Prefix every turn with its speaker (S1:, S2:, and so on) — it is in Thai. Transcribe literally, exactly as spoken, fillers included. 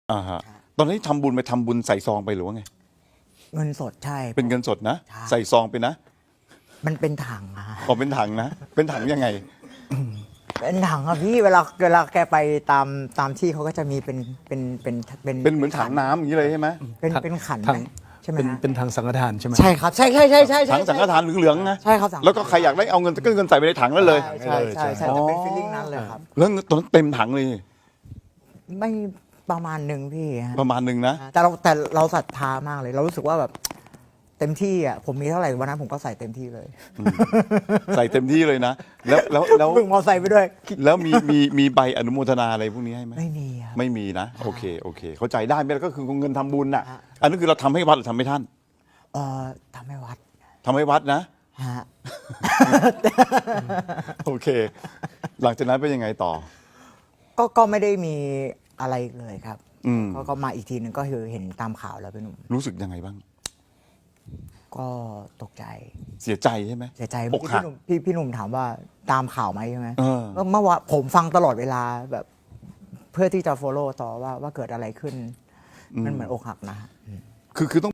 S1: อ่าฮะตอนนี้ทำบุญไปทำบุญใส่ซองไปหรือว่าไง
S2: เงินสดใช่
S1: เป็นเงินสดนะ
S2: ใช่
S1: ใส่ซองไปนะ
S2: มันเป็นถังอะ
S1: อ๋อเป็นถังนะ เป็นถังยังไง
S2: เป็นถังอะพี่เวลาเวลาแกไปตามตามที่เขาก็จะมีเป็นเป็นเป็นเป็น
S1: เป็นเหมือนถังน้ำอย่างนี้เลยใช่ไหม
S2: เป็นเป็นขัน
S3: ถั
S2: ไหม
S3: ง
S2: ใช่ไหม
S3: เป็น
S2: ฮะ
S3: เป็นทางสังฆทานใช่ไหม
S2: ใช่ครับใช่ใช่ใช่ใช่ใช่
S1: ถังสังฆทานเหลืองๆนะ
S2: ใช่ครับสังฆทาน
S1: แล้วก็ใครอยากได้เอาเงินก็เงินใส่ไปในถังนั่นเลย
S2: ใช่ใช่ใช่ใช่
S1: อ๋อ
S2: จะเป็นฟีลลิ่งนั้นเลยครับ
S1: แล้วตอนนั้นเต็มถังเลย
S2: ไม่ประมาณหนึ่งพี่ฮะ
S1: ประมาณหนึ่งนะ
S2: แต่เราแต่เราศรัทธามากเลย เรารู้สึกว่าแบบเต็มที่อ่ะผมมีเท่าไหร่วันนั้นผมก็ใส่เต็มที่เลย
S1: ใส่เต็มที่เลยนะ แล้วแล้วแล้ว
S2: พึ่งมอไซค์ไปด้วย
S1: แล้วมีมีมีใบอนุโมทนาอะไรพวกนี้ให้ไหม
S2: ไม่มีครับ
S1: ไม่มีนะ โอเคโอเค เข้าใจได้ไหมแล้วก็คือเงินทำบุญน่ะ
S2: ฮะ
S1: อันนั้นคือเราทำให้วัดหรือทำให้ท่าน
S2: เอ่อทำให้วัด
S1: ทำให้วัดนะ
S2: ฮะ
S1: โอเค หลังจากนั้นเป็นยังไงต่อ
S2: ก็ก็ไม่ได้มีอะไรเลยครับ
S1: อืม
S2: ก็ก็มาอีกทีหนึ่งก็คือเห็นตามข่าวแล้วพี่หนุ่ม
S1: รู้สึกยังไงบ้าง
S2: ก็ตกใจ
S1: เสียใจใช่ไหม
S2: เสียใจ
S1: อ
S2: เมื่อก กี้
S1: หัก
S2: พี่หนุ่มพี่พี่หนุ่มถามว่าตามข่าวไหมใช่ไหม
S1: เออ
S2: ก็เมื่อวานผมฟังตลอดเวลาแบบเพื่อที่จะ follow ต่อว่าว่าเกิดอะไรขึ้น มันเหมือนอกหักนะ
S1: คือคือต้อง